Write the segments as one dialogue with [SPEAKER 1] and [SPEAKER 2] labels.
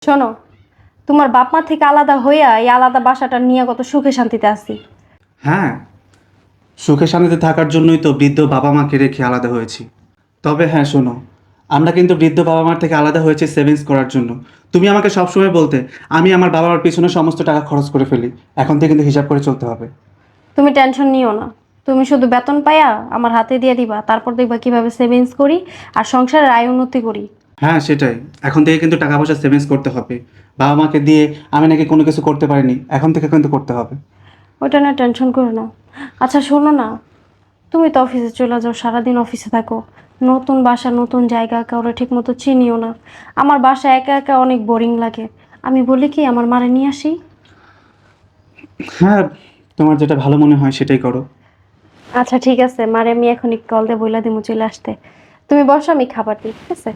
[SPEAKER 1] শোনো, তোমার বাপ মা থেকে আলাদা হইয়া এই আলাদা বাসাটা নিয়ে কত সুখে শান্তিতে আছি।
[SPEAKER 2] হ্যাঁ, সুখে শান্তিতে থাকার জন্যই তো বৃদ্ধ বাবা মাকে রেখে আলাদা হয়েছি। তবে হ্যাঁ শোনো, আমরা কিন্তু বৃদ্ধ বাবা মার থেকে আলাদা হয়েছি সেভিংস করার জন্য। তুমি আমাকে সবসময় বলতে আমি আমার বাবা মার পিছনে সমস্ত টাকা খরচ করে ফেলি। এখন থেকে কিন্তু হিসাব করে চলতে হবে।
[SPEAKER 1] তুমি টেনশন নিও না, তুমি শুধু বেতন পাইয়া আমার হাতে দিয়ে দিবা, তারপর দেখবা কিভাবে সেভিংস করি আর সংসারের আয় উন্নতি করি।
[SPEAKER 2] হ্যাঁ সেটাই, এখন থেকে কিন্তু টাকা পয়সা সেভিংস করতে হবে। বাবা মাকে দিয়ে আমি নাকি কোনো কিছু করতে পারিনি, এখন থেকে কিন্তু করতে হবে।
[SPEAKER 1] ওইটা না, টেনশন করো না। আচ্ছা শোনো না, তুমি তো অফিসে চলে যাও, সারাদিন অফিসে থাকো, নতুন বাসা নতুন জায়গা, কাউরে ঠিক মতো চিনিও না। আমার বাসা একা একা অনেক বোরিং লাগে। আমি বলি কি আমার মারে নিয়ে আসি।
[SPEAKER 2] হ্যাঁ, তোমার যেটা ভালো মনে হয় সেটাই করো।
[SPEAKER 1] আচ্ছা ঠিক আছে, মারে আমি এখনই কল দিয়ে বইলা দিমু চলে আসতে। তুমি বসো, আমি খাবার দিই, ঠিক আছে?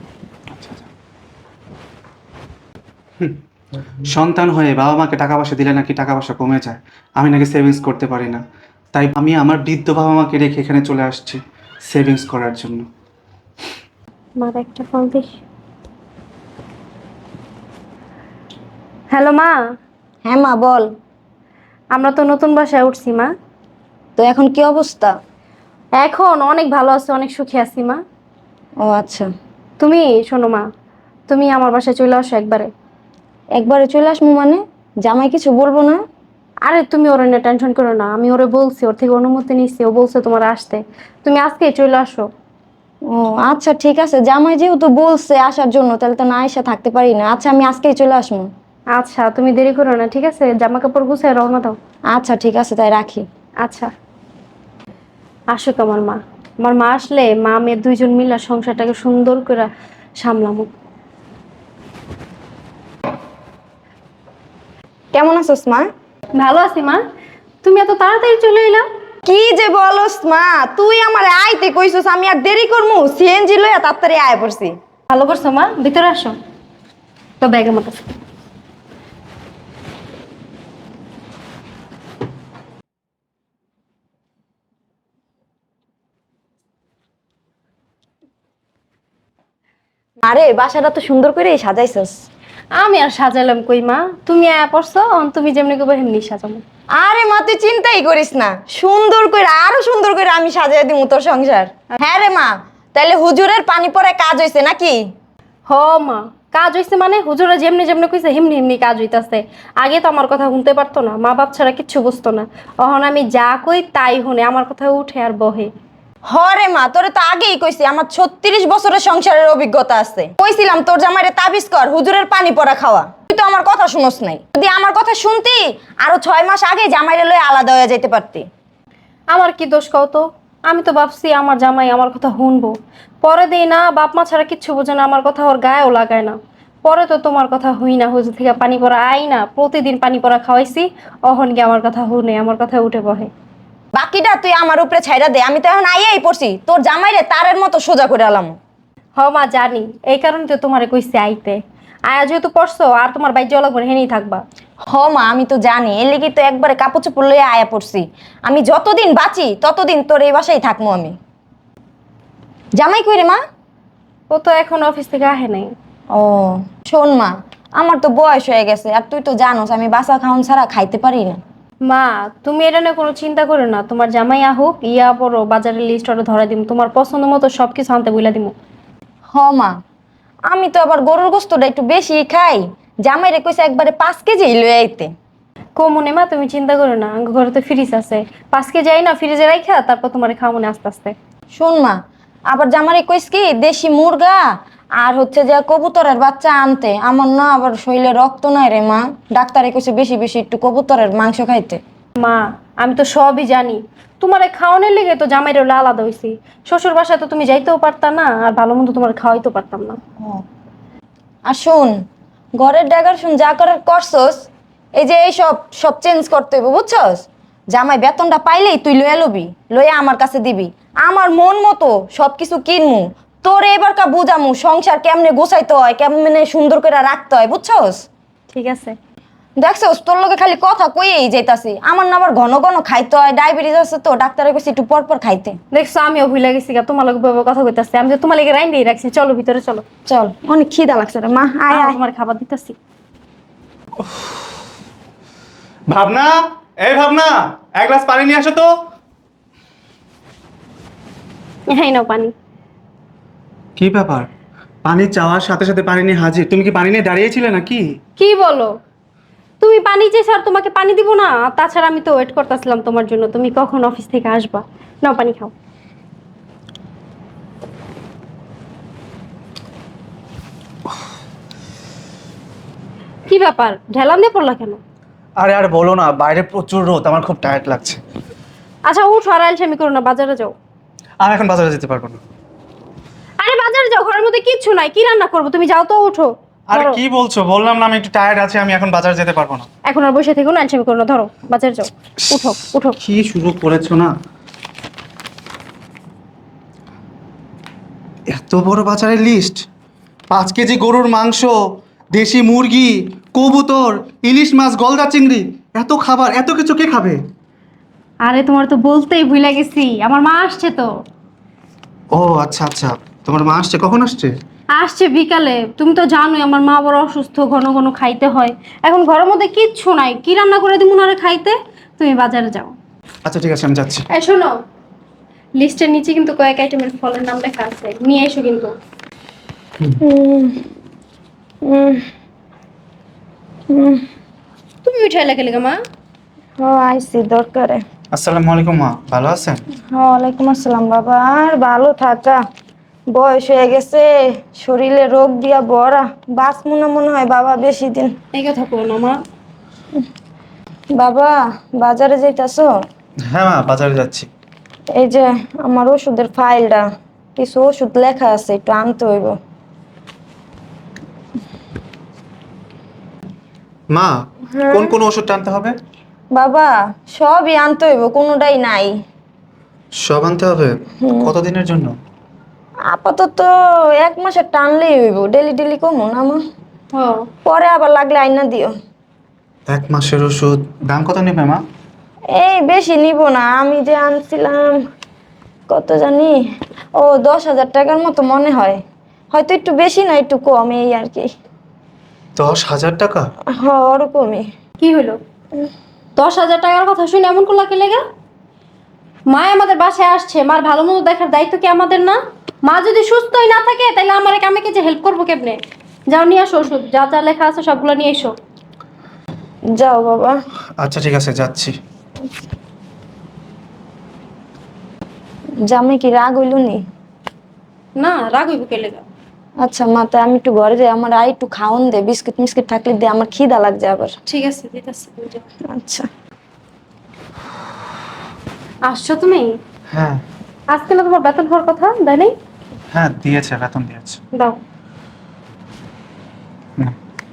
[SPEAKER 2] সন্তান হয়ে বাবা মাকে টাকা পয়সা দিলে নাকি টাকা পয়সা কমে যায়, আমি নাকি সেভিংস করতে পারি না। তাই আমি আমার বৃদ্ধ বাবা মাকে রেখে এখানে চলে আসছি সেভিংস করার জন্য।
[SPEAKER 1] মার একটা ফোন দিই। হ্যালো মা।
[SPEAKER 3] হ্যাঁ মা বল।
[SPEAKER 1] আমরা তো নতুন বাসায় উঠছি মা।
[SPEAKER 3] তো এখন কি অবস্থা?
[SPEAKER 1] এখন অনেক ভালো আছে, অনেক সুখী আছি মা।
[SPEAKER 3] ও আচ্ছা।
[SPEAKER 1] তুমি শোনো মা, তুমি আমার বাসায় চলে আসো একবারে।
[SPEAKER 3] একবারে চলে আসমু মানে? জামাই কিছু বলবো না?
[SPEAKER 1] আরে তুমি ওর নিয়ে টেনশন করো না, আমি ওরে বলছি, ওর থেকে অনুমতি নিচ্ছি, ও বলছে তোমার আসতে। তুমি আজকেই চলে আসো।
[SPEAKER 3] ও আচ্ছা ঠিক আছে, জামাই যেহেতু বলছে আসার জন্য তাহলে তো না এসে থাকতে পারি না। আচ্ছা আমি আজকেই চলে আসমু।
[SPEAKER 1] আচ্ছা তুমি দেরি করো না, ঠিক আছে? জামা কাপড় গুছিয়ে রওনা দাও।
[SPEAKER 3] আচ্ছা ঠিক আছে তাই রাখি।
[SPEAKER 1] আচ্ছা, আসুক আমার মা। আমার মা আসলে মা মেয়ে দুইজন মিলে সংসারটাকে সুন্দর করে সামলামু।
[SPEAKER 3] কেমন আছোস মা?
[SPEAKER 1] ভালো আছি মা। তুমি এত তাড়াতাড়ি চলে এলা?
[SPEAKER 3] কি যে বলস মা, তুই আমার আইতে কইছস, আমি আর দেরি করমু? সিএনজি লইয়া তাড়াতাড়ি আয় পড়ছি।
[SPEAKER 1] ভালো করছো মা, ভিতরে আসো। তো ব্যাগের মতো।
[SPEAKER 3] আরে বাসাটা তো সুন্দর করে সাজাইছস।
[SPEAKER 1] আমি আর সাজাইলাম কই মা, তুমি আয়া পড়ছো, তুমি যেমনি করবে সেমনি সাজাবো।
[SPEAKER 3] আরে মা তুই চিন্তাই করিস না, সুন্দর করে আরো সুন্দর করে আমি সাজিয়ে দিমু তোর সংসার। হ্যাঁ রে মা, তাহলে হুজুরের পানি পরে কাজ হইছে নাকি?
[SPEAKER 1] হ মা, কাজ হইছে মানে হুজুরা যেমনি যেমনি কইছে হেমনি হেমনি কাজ হইতাছে। আগে তো আমার কথা শুনতে পারতো না, মা বাপ ছাড়া কিচ্ছু বুঝতো না। এখন আমি যা কই তাই শুনে, আমার কথা উঠে আর বহে।
[SPEAKER 3] হরে মা, তোরে তো আগেই কইছি আমার 36 বছরের সংসারের অভিজ্ঞতা আছে। কইছিলাম তোর জামাইরে তাবিজ কর হুজুরের পানি পড়া খাওয়া, তুই তো আমার কথা শুনস নাই। যদি আমার কথা শুনতি আরো 6 মাস আগে জামাইরে লয়ে আলাদা হয়ে যেতে পারতি।
[SPEAKER 1] আমার কি দোষ কও তো? আমি তো ভাবছি আমার জামাই আমার কথা শুনবো, পরে দেই না, বাপ মা ছাড়া কিচ্ছু বোঝে না, আমার কথা ওর গায়েও লাগায় না। পরে তো তোমার কথা হই না, হুজুর থেকে পানি পড়া আই না, প্রতিদিন পানি পড়া খাওয়াইছি, অহন গিয়ে আমার কথা শুনে, আমার কথা উঠে বহে।
[SPEAKER 3] বাকিটা তুই আমার উপরে ছাইড়া দে, আমি তো এখন আইয়াই পড়ছি, তোর জামাইরে তারের মতো সোজা করে আলাম।
[SPEAKER 1] হ মা জানি, এই কারণে তো তোমারে কইছি আইতে। আয়া যেহেতু পড়ছো আর তোমার বাইর যাওয়া লাগবে না, হেনেই থাকবা।
[SPEAKER 3] হ মা আমি তো জানি, এর লেগে তো একবারে কাপড় চোপড় লইয়া আয়া পড়ছি। আমি যতদিন বাঁচি ততদিন তোর এই বাসায় থাকবো আমি। জামাই কই রে মা?
[SPEAKER 1] ও তো এখন অফিস থেকে আহে নাই।
[SPEAKER 3] ও শোন মা, আমার তো বয়স হয়ে গেছে আর তুই তো জানোস আমি বাসা খাওন ছাড়া খাইতে পারি না।
[SPEAKER 1] মা তুমি এটা নিয়ে কোনো চিন্তা করো না, তোমার জামাই আহুক, ইয়া পড়ো বাজারের লিস্ট অর্ডার ধরা দিমু, তোমার পছন্দ মতো সবকিছু আনতে বইলা দিমু।
[SPEAKER 3] হ মা, আমি তো আবার গরুর গোস্তটা একটু বেশি খাই। জামাইরে কইছে একবারে 5 কেজি লয়ে আইতে।
[SPEAKER 1] কমনে মা তুমি চিন্তা করো না, আমার ঘরে তো ফ্রিজ আছে, 5 কেজি যাই না ফ্রিজে রাখা, তারপর তোমার খাওয়া মনে আস্তে আস্তে।
[SPEAKER 3] শোন মা, আবার জামাইরে কইস কি দেশি মুরগা আর হচ্ছে যে কবুতরের বাচ্চা আনতে। আমার না আবার শরীরে রক্ত নাই রে মা, ডাক্তারে কইছে বেশি বেশি একটু কবুতরের মাংস খাইতে।
[SPEAKER 1] মা আমি তো সবই জানি, তোমার খাওয়ানোর লেগে তো জামাইরে হলো আলাদা হইছি। শ্বশুর বাসায় তো তুমি যাইতেও পারতা না, আর ভালো মন্দ তোমার খাওয়াইতেও পারতাম না।
[SPEAKER 3] আর শোন, ঘরের ড্যাগার শুন যা করার করছস, এই যে এই সব সব চেঞ্জ করতে হইব বুঝছস। জামাই বেতনটা পাইলেই তুই লইয়া লবি, লইয়া আমার কাছে দিবি, আমার মন মতো সবকিছু কিনমু। তোর এবারকা বুঝামু সংসার কেমনে গোছাইতে হয়, কেমনে সুন্দর করে রাখতে হয় বুঝছস।
[SPEAKER 1] ঠিক আছে।
[SPEAKER 3] দেখছস তোর লগে খালি কথা কইয়েই যাইতাছি, আমার না আবার ঘন ঘন খাইতে হয়, ডায়াবেটিস আছে তো, ডাক্তারে কইছে একটু পর পর খাইতে।
[SPEAKER 1] দেখছো আমিও ভুলে গেছি গা, তোমার লগে বইবো কথা কইতাছি, আমি তো তোমার লেগে রাইন্দেই রাখছি, চলো ভিতরে চলো।
[SPEAKER 3] চল, অনেক খিদা লাগছে রে মা, আয় আয়।
[SPEAKER 1] তোমার খাবার দিতেছি।
[SPEAKER 2] ভাবনা, এই ভাবনা, এক গ্লাস পানি নিয়ে আসো তো।
[SPEAKER 1] হ্যাঁ নাও পানি।
[SPEAKER 2] কি ব্যাপার, পানি চাওয়ার সাথে সাথে পানি নিয়ে হাজির? তুমি কি পানি নিয়ে দাঁড়িয়েছিলে নাকি?
[SPEAKER 1] কি বলো? তুমি পানি চেয়েছো আর তোমাকে পানি দিব না? আর তাছাড়া আমি তো ওয়েট করতেছিলাম তোমার জন্য, তুমি কখন অফিস থেকে আসবা। নাও পানি খাও। কি ব্যাপার, ঢেলান দিয়ে পড়লা কেন?
[SPEAKER 2] আরে আর বলো না, বাইরে প্রচুর রোদ, আমার খুব টায়ার্ড লাগছে।
[SPEAKER 1] আচ্ছা উঠো, আর আলসেমি করো না, বাজারে যাও।
[SPEAKER 2] আমি এখন বাজারে যেতে পারবো না।
[SPEAKER 1] আরে বাজারে যাও, ঘরের মধ্যে কিচ্ছু নাই, কি রান্না করবো? তুমি যাও তো, উঠো।
[SPEAKER 2] আরে
[SPEAKER 1] ধরো।
[SPEAKER 2] কি বলছো, বললাম না আমি একটু টায়ার্ড আছি, আমি এখন বাজারে যেতে পারবো না।
[SPEAKER 1] এখন আর বসে থেকো না, আলসেমি করো না, ধরো বাজারে যাও। উঠো উঠো।
[SPEAKER 2] কি শুরু করেছো না? এত বড় বাজারের লিস্ট, 5 কেজি গরুর মাংস, দেশি মুরগি, কবুতর, ইলিশ মাছ, গলদা চিংড়ি, এত খাবার, এত কিছু কে খাবে?
[SPEAKER 1] আরে তোমার তো বলতেই ভুলে গেছি, আমার মা আসছে তো।
[SPEAKER 2] ও আচ্ছা আচ্ছা, তোমার মা আসছে, কখন আসছে?
[SPEAKER 1] আসছে বিকালে। তুমি তো জানোই আমার মা বড় অসুস্থ, ঘন ঘন খাইতে হয়। এখন ঘরের মধ্যে কিচ্ছু নাই, কি রান্না করে দিব না খাইতে? তুমি বাজারে যাও।
[SPEAKER 2] আচ্ছা ঠিক আছে, আমি যাচ্ছি।
[SPEAKER 1] এই শোনো, লিস্টের নিচে কিন্তু কয়েক আইটেমের ফলের নাম লেখা আছে, নিয়ে এসো কিন্তু। তুমি উঠাই লাগে লেগে মা।
[SPEAKER 3] ও আইসি দরকারে।
[SPEAKER 2] আসসালামু আলাইকুম মা, ভালো আছেন?
[SPEAKER 3] ওয়ালাইকুম আসসালাম বাবা। আর ভালো থাকা, বয়স হয়ে গেছে, শরীরে রোগ দিয়া ভরা, বাঁচ মনে হয় বাবা বেশি দিন।
[SPEAKER 1] এই কথা কো না মা।
[SPEAKER 3] বাবা বাজারে যাইতাছো?
[SPEAKER 2] হ্যাঁ মা, বাজারে যাচ্ছি।
[SPEAKER 3] এই যে আমার ওষুধের ফাইলটা, কিছু ওষুধ লেখা আছে, একটু আনতে হইব।
[SPEAKER 2] মা, কোন কোন ওষুধ আনতে হবে?
[SPEAKER 3] বাবা সবই আনতে হইব, কোনোটাই নাই।
[SPEAKER 2] সব আনতে হবে? কতদিনের জন্য?
[SPEAKER 3] আপাতত 1 মাসের টানলেই হইব, ডেলি ডেলি কমো না মা।
[SPEAKER 1] ও
[SPEAKER 3] পরে আবার লাগলে আইনা দিও।
[SPEAKER 2] 1 মাসের ওষুধ, দাম কত নেবে মা?
[SPEAKER 3] এই বেশি নিব না, আমি যে আনছিলাম কত জানি, ও 10,000 টাকার মতো মনে হয়, হয়তো একটু বেশি না একটু কম, এই আর কি।
[SPEAKER 2] 10,000 টাকা?
[SPEAKER 3] হ্যাঁ ওরকমই।
[SPEAKER 1] কি হলো? 10,000 টাকার কথা শুনে এমন করলা কি লেগে? মা আমাদের বাসায় আসছে, মার ভালো মতো দেখার দায়িত্ব কি আমাদের না? মা যদি সুস্থই না থাকে তাহলে আমার আমাকে যে হেল্প করবো কেমনে? যাও নিয়ে আসো ওষুধ, যা যা লেখা আছে সবগুলো নিয়ে এসো।
[SPEAKER 3] যাও বাবা।
[SPEAKER 2] আচ্ছা ঠিক আছে, যাচ্ছি।
[SPEAKER 3] জামাই কি রাগ হইল নি?
[SPEAKER 1] না, রাগ হইব কে লেগা?
[SPEAKER 3] আচ্ছা মা, তা আমি একটু ঘরে যাই, আমার আর একটু খাওন দে, বিস্কিট মিস্কিট থাকলে দে, আমার খিদা লাগছে আবার।
[SPEAKER 1] ঠিক আছে, দিতেছি।
[SPEAKER 3] আচ্ছা।
[SPEAKER 1] আসছো তুমি?
[SPEAKER 2] হ্যাঁ
[SPEAKER 1] আজকে না তোমার বেতন হওয়ার কথা, দেয় নাই?
[SPEAKER 2] হ্যাঁ, দিয়েছে, বেতন দিয়েছে।
[SPEAKER 1] দাও।
[SPEAKER 2] না।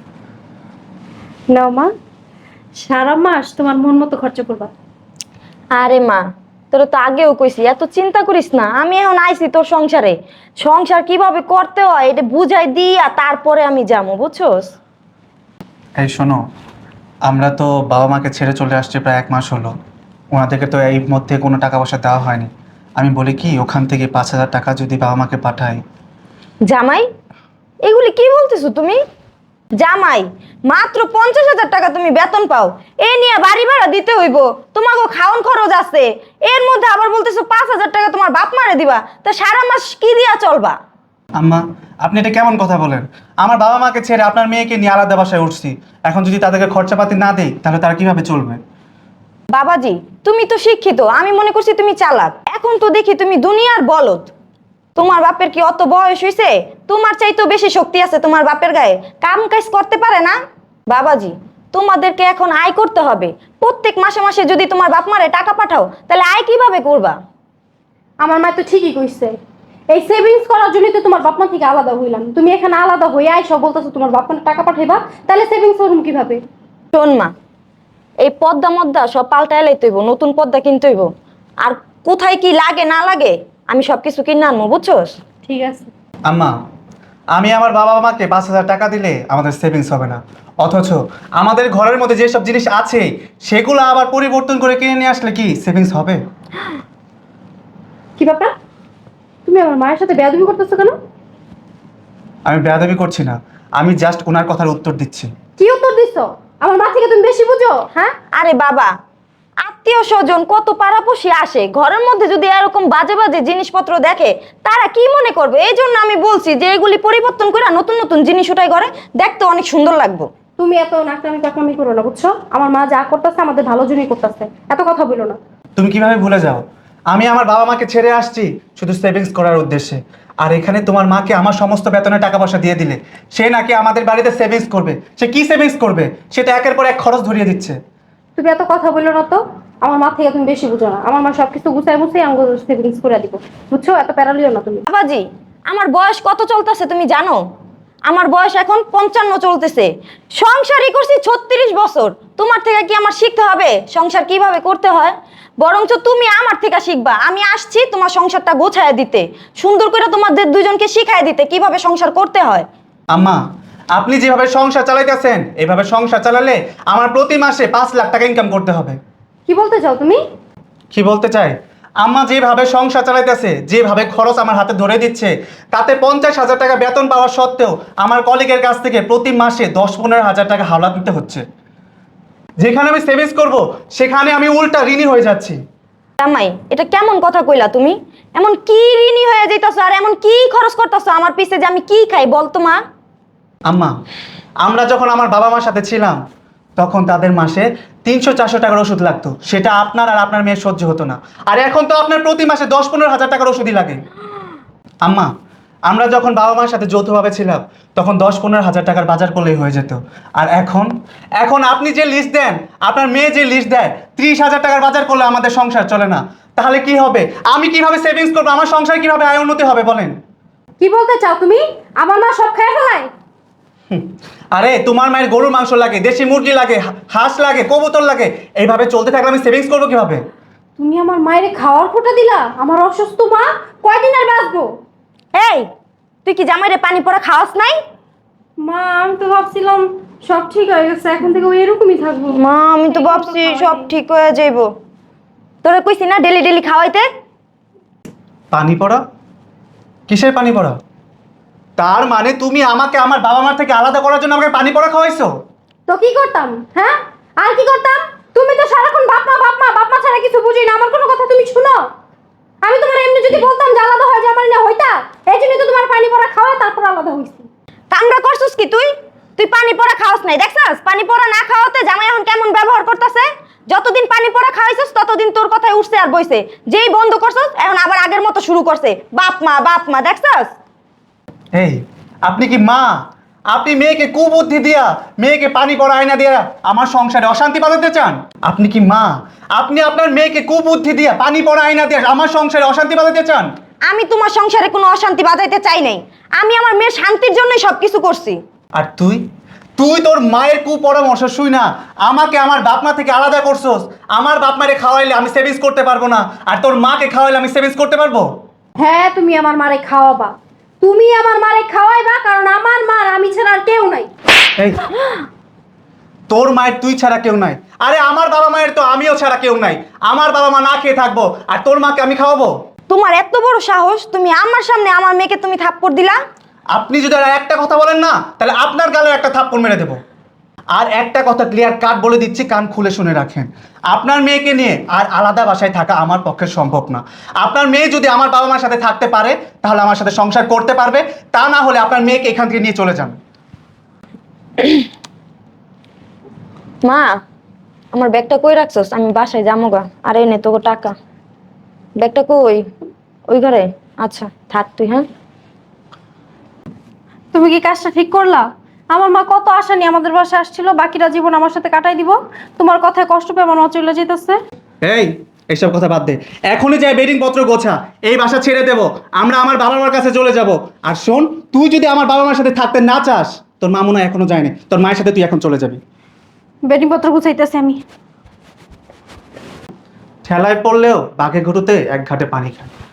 [SPEAKER 1] নাও মা, সারা মাস তোমার মন মতো খরচা করবা।
[SPEAKER 3] আরে মা, তোর তো আগেও কইছি এত চিন্তা করিস না, আমি এখন আইছি তোর সংসারে, সংসার কিভাবে করতে হয় এটা বুঝাই দিয়া তারপরে আমি যাবো, বুঝছস?
[SPEAKER 2] এই শোনো, আমরা তো বাবা মাকে ছেড়ে চলে আসছি প্রায় 1 মাস হলো। ওনাদেরকে তো এই মধ্যে কোনো টাকা পয়সা দেওয়া হয়নি। আমি বলি কি, ওখান থেকে 5,000 টাকা যদি বাবা মাকে পাঠাই।
[SPEAKER 3] জামাই, এগুলি কি বলতেছো তুমি? জামাই, মাত্র 50,000 টাকা তুমি বেতন পাও, এ নিয়ে বাড়ি ভাড়া দিতে হইব, তোমাকে খাওন খরচ আছে, এর মধ্যে আবার বলতেছো 5,000 টাকা তোমার বাপ মারে দিবা, তা সারা মাস কি দিয়া চলবা?
[SPEAKER 2] আম্মা, আপনি এটা কেমন কথা বলেন? আমার বাবা মাকে ছেড়ে আপনার মেয়েকে নিয়ে আলাদা বাসায় উঠছি, এখন যদি তাদেরকে খরচাপাতি না দেই তাহলে তারা কিভাবে চলবে?
[SPEAKER 3] বাবাজি, তুমি তো শিক্ষিত, আমি মনে করছি তুমি চালাক, এখন তো দেখি তুমি দুনিয়ার বলদ। তোমার বাপের কি অত বয়স হয়েছে? তোমার চাইতেও বেশি শক্তি আছে তোমার বাপের গায়ে, কাম কাজ করতে পারে না। বাবাজি, তোমাদেরকে এখন আয় করতে হবে, প্রত্যেক মাসে মাসে যদি তোমার বাপ মারে টাকা পাঠাও তাহলে আয় কিভাবে করবা?
[SPEAKER 1] আমার মা তো ঠিকই কইছে, এই সেভিংস করার জন্যই তো তোমার বাপ মা থেকে আলাদা হইলাম। তুমি এখানে আলাদা হয়ে আইসো বলতেছো তোমার বাপ মা টাকা পাঠাইবা, তাহলে সেভিংস করুন কিভাবে?
[SPEAKER 3] শোন মা, এই পদ্মা মদ্দা সব পাল্টায় লাইতে হইব, নতুন পদ্মা কিনতে হইব, আর কোথায় কি লাগে না লাগে আমি সবকিছু কিনে আনবো, বুঝছোস?
[SPEAKER 1] ঠিক আছে।
[SPEAKER 2] আম্মা, আমি আমার বাবা মাকে 5,000 টাকা দিলে আমাদের সেভিংস হবে না, অথচ আমাদের ঘরের মধ্যে যেসব জিনিস আছে সেগুলো আবার পরিবর্তন করে কিনে নিয়ে আসলে কি সেভিংস হবে?
[SPEAKER 1] কি ব্যাপার, তুমি আমার মায়ের সাথে বেয়াদবি করতেছো কেন?
[SPEAKER 2] আমি বেয়াদবি করছি না, আমি জাস্ট ওনার কথার উত্তর দিচ্ছি।
[SPEAKER 1] কি উত্তর দিছো? আমার মা থেকে তুমি বেশি বুঝো, হ্যাঁ?
[SPEAKER 3] আরে বাবা, আত্মীয় স্বজন কত পাড়াপড়শি আসে, ঘরের মধ্যে যদি এরকম বাজে বাজে জিনিসপত্র দেখে তারা কি মনে করবে? এই জন্য আমি বলছি যে এগুলি পরিবর্তন করে নতুন নতুন জিনিস উঠাই ঘরে, দেখতে অনেক সুন্দর লাগবে।
[SPEAKER 1] তুমি এত নাকটামি কাকামি করো না, বুঝছো? আমার মা যা করতেছে আমাদের ভালোর জন্যই করতেছে, এত কথা বলো না।
[SPEAKER 2] তুমি কিভাবে ভুলে যাও? আমি আমার বাবা মাকে ছেড়ে আসছি শুধু সেভিংস করার উদ্দেশ্যে, আর এখানে তোমার মাকে আমার সমস্ত বেতনের টাকা পয়সা দিয়ে দিলে সে নাকি আমাদের বাড়িতে সেভিংস করবে। সে কি সেভিংস করবে? সে তো একের পর এক খরচ ধরিয়ে দিচ্ছে।
[SPEAKER 1] তুমি এত কথা বললো না তো। আমার মা থেকে তুমি বেশি বুঝো না। আমার মা সবকিছু গুছাই গুছাই আমাকে সেভিংস করে দিব, বুঝছো? এত প্যারালিও না তুমি।
[SPEAKER 3] বাবাজি, আমার বয়স কত চলতেছে তুমি জানো? আমার বয়স এখন 55 চলতেছে। সংসারই করছি 36 বছর। তোমার থেকে কি আমার শিখতে হবে সংসার কিভাবে করতে হয়? বরঞ্চ তুমি আমার থেকে শিখবা। আমি আসছি তোমার সংসারটা গোছায় দিতে, সুন্দর করে তোমাদের দুজনকে শিখায় দিতে কিভাবে সংসার করতে হয়।
[SPEAKER 2] আম্মা, আপনি যেভাবে সংসার চালাইতেছেন এভাবে সংসার চালালে আমার প্রতি মাসে 5 লাখ টাকা ইনকাম করতে হবে।
[SPEAKER 1] কি বলতে চাও তুমি?
[SPEAKER 2] কি বলতে চাই? আম্মা যেভাবে সংসার চালাইতেছে, যেভাবে খরচ আমার হাতে ধরে দিচ্ছে, তাতে 50,000 টাকা বেতন পাওয়া সত্ত্বেও আমার কলিগের কাছ থেকে প্রতি মাসে 10-15 হাজার টাকা হাওলা দিতে হচ্ছে। যেখানে আমি সেভিংস করব সেখানে আমি উল্টা ঋণী হয়ে যাচ্ছি।
[SPEAKER 3] জামাই, এটা কেমন কথা কইলা তুমি? এমন কি ঋণী হয়ে যাইতাছো আর এমন কি খরচ করতেছো আমার পিছে যে আমি কি খাই বলতো মা?
[SPEAKER 2] আম্মা, আমরা যখন আমার বাবা মার সাথে ছিলাম তখন তাদের মাসে 300-400 টাকার ওষুধ লাগতো, সেটা আপনার আর আপনার মেয়ের সহ্য হতো না। আর এখন তো আপনার প্রতি মাসে 10-15 হাজার টাকার ওষুধই লাগে। আম্মা, আমরা যখন বাবা মার সাথে যৌথভাবে ছিলাম তখন 10-15 হাজার টাকার বাজার করলেই হয়ে যেত। আর এখন এখন আপনি যে লিস্ট দেন, আপনার মেয়ে যে লিস্ট দেয়, 30,000 টাকার বাজার করলে আমাদের সংসার চলে না। তাহলে কি হবে? আমি কিভাবে সেভিংস করবো? আমার সংসার কিভাবে আয় উন্নতি হবে বলেন?
[SPEAKER 1] কি বলতে চাও তুমি? আমার মা সব খেয়ে ফেলায়?
[SPEAKER 2] আরে তোমার মায়ের গরুর মাংস লাগে, দেশি মুরগি লাগে, হাঁস লাগে, কবুতর লাগে, এইভাবে চলতে থাকলে আমি সেভিংস করবো কিভাবে?
[SPEAKER 1] তুমি আমার মায়ের খাওয়ার খোটা দিলা। আমার অসুস্থ মা কয়দিন আর বাঁচবো?
[SPEAKER 3] এই, তুই কি জামাইরে পানি পড়া খাওয়াস নাই?
[SPEAKER 1] মা আমি তো ভাবছিলাম সব ঠিক হয়ে গেছে, এখন থেকে ওই এরকমই থাকবো।
[SPEAKER 3] মা আমি তো ভাবছি সব ঠিক হয়ে যাইব। তোরা কইছি না ডেলি ডেলি খাওয়াইতে?
[SPEAKER 2] পানি পড়া? কিসের পানি পড়া? তার মানে তুমি আমাকে আমার বাবা মার থেকে আলাদা করার জন্য আমাকে পানি পড়া খাওয়াইছো?
[SPEAKER 1] তো কি করতাম, হ্যাঁ? আর কি করতাম? তুমি তো সারাক্ষণ বাপ মা বাপ মা বাপ মা ছাড়া কিছু বুঝি না। আমার কোনো কথা তুমি শুনো? আমি তোমার এমনি যদি বলতাম যে আলাদা হয়ে যাবার না হইতা, এই জন্যই তো তোমার পানি পড়া খাওয়া তারপর আলাদা হইছি।
[SPEAKER 3] কামড়া করছিস কি তুই? তুই পানি পড়া খাওয়াস নাই, দেখছাস? পানি পড়া না খাওয়াতে জামাই এখন কেমন ব্যবহার করতেছে। যতদিন পানি পড়া খাওয়াইছিস ততদিন তোর কথায় উঠছে আর বইছে। যেই বন্ধ করছিস এখন আবার আগের মতো শুরু করছে, বাপ মা, দেখছাস?
[SPEAKER 2] এই, আপনি কি মা? আপনি মেয়েকে কুবুদ্ধি দিয়া, মেয়েকে পানি পড়া আয়না দিয়া আমার সংসারে অশান্তি বাঁধাতে চান? আপনি কি মা? আপনি আপনার মেয়েকে কুবুদ্ধি দিয়া, পানি পড়া আয়না দিয়া আমার সংসারে অশান্তি বাঁধাতে চান?
[SPEAKER 3] আমি তোমার সংসারে কোনো অশান্তি বাজাইতে চাই নাই। আমি আমার মেয়ের শান্তির জন্যই সবকিছু করছি।
[SPEAKER 2] আর তুই তুই তোর মায়ের কুপরামর্শ শুই না আমাকে আমার বাপ মা থেকে আলাদা করছস। আমার বাপ মারে খাওয়াইলে আমি সেভিংস করতে পারবো না, আর তোর মাকে খাওয়াইলে আমি সেভিংস করতে পারবো?
[SPEAKER 1] হ্যাঁ, তুমি আমার মারে খাওয়াবা। তুমি আমার মারে খাওয়াইবা, কারণ আমার মার আমি ছাড়া আর কেউ নাই।
[SPEAKER 2] এই, তোর মায়ের তুই ছাড়া কেউ নাই? আরে আমার বাবা মায়ের তো আমিও ছাড়া কেউ নাই। আমার বাবা মা না খেয়ে থাকবো আর তোর মাকে আমি খাওয়াবো?
[SPEAKER 3] তোমার এত বড় সাহস, তুমি আমার সামনে আমার মেয়েকে তুমি থাপ্পড় দিলা?
[SPEAKER 2] আপনি যদি আর একটা কথা বলেন না তাহলে আপনার গালে একটা থাপ্পড় মেরে দেবো। আর একটা কথা ক্লিয়ার কাট বলে দিচ্ছি, কান খুলে শুনে রাখেন। আপনার মেয়েকে নিয়ে আর আলাদা বাসায় থাকা আমার পক্ষে সম্ভব না। আপনার মেয়ে যদি আমার বাবা মার সাথে থাকতে পারে তাহলে আমার সাথে সংসার করতে পারবে, তা না হলে আপনার মেয়েকে এখান থেকে নিয়ে চলে যান।
[SPEAKER 3] মা, আমার ব্যাগটা কই রাখছস? আমি বাসায় যাবো গা। আর এনে তোকে টাকা। ব্যাগটা কই? ওই ঘরে? আচ্ছা থাক তুই, হ্যাঁ?
[SPEAKER 1] তুমি কি কাজটা ঠিক করলা? আমার মা কত আশা নিয়ে আমাদের বাসায় আসছিল, বাকিটা জীবন আমার সাথে কাটাই দিব। তোমার কথায় কষ্ট পেয়ে আমার মা চলে যেতেছে।
[SPEAKER 2] এই, এইসব কথা বাদ দে, এখনই যাই বেডিং পত্র গোছা, এই বাসা ছেড়ে দেবো, আমরা আমার বাবা মার কাছে চলে যাব। আর শোন, তুই যদি আমার বাবা মার সাথে থাকতে না চাস, তোর মা মনে হয় এখনো যায়নি, তোর মায়ের সাথে তুই এখন চলে যাবি।
[SPEAKER 1] বেডিং পত্র গুছাইতেছি আমি।
[SPEAKER 2] ঠেলায় পড়লেও বাঘে ঘুরুতে এক ঘাটে পানি খায়।